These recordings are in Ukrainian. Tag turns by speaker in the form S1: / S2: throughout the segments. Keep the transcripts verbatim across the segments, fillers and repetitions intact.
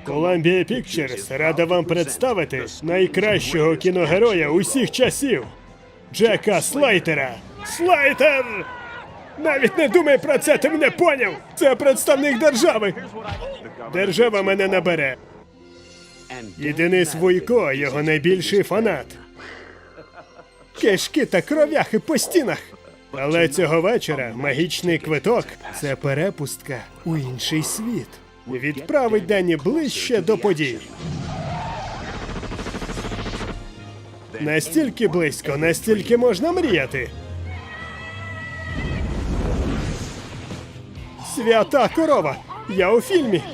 S1: Columbia Pictures рада вам представити найкращого кіногероя усіх часів – Джека Слейтера. Слейтер! Навіть не думай про це, ти мене поняв! Це представник держави! Держава мене набере. І Денис Вуйко – його найбільший фанат. Кишки та кров'яхи по стінах. Але цього вечора магічний квиток – це перепустка у інший світ. Відправить Денні ближче до подій. Настільки близько, настільки можна мріяти. Свята корова! Я у фільмі!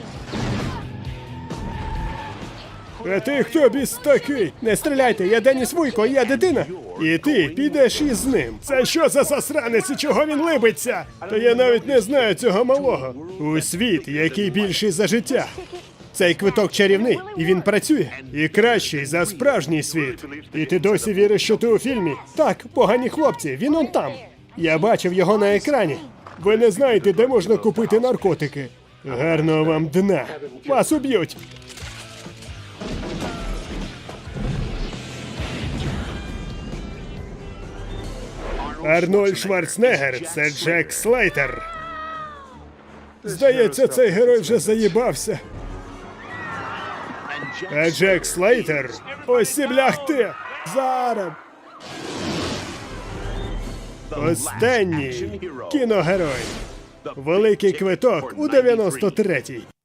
S1: А ти хто біс такий? Не стріляйте, я Деніс Вуйко, я дитина. І ти підеш із ним. Це що за засранець і чого він либиться? Та я навіть не знаю цього малого. У світ, який більший за життя. Цей квиток чарівний, і він працює. І кращий за справжній світ. І ти досі віриш, що ти у фільмі? Так, погані хлопці, він он там. Я бачив його на екрані. Ви не знаєте, де можна купити наркотики. Гарного вам дна. Вас уб'ють. Арнольд Шварценеггер – це Джек Слейтер. Здається, цей герой вже заїбався. А Джек Слейтер – ось ці бляхти! Зараз! Останній кіногерой. Великий квиток у дев'яносто третій.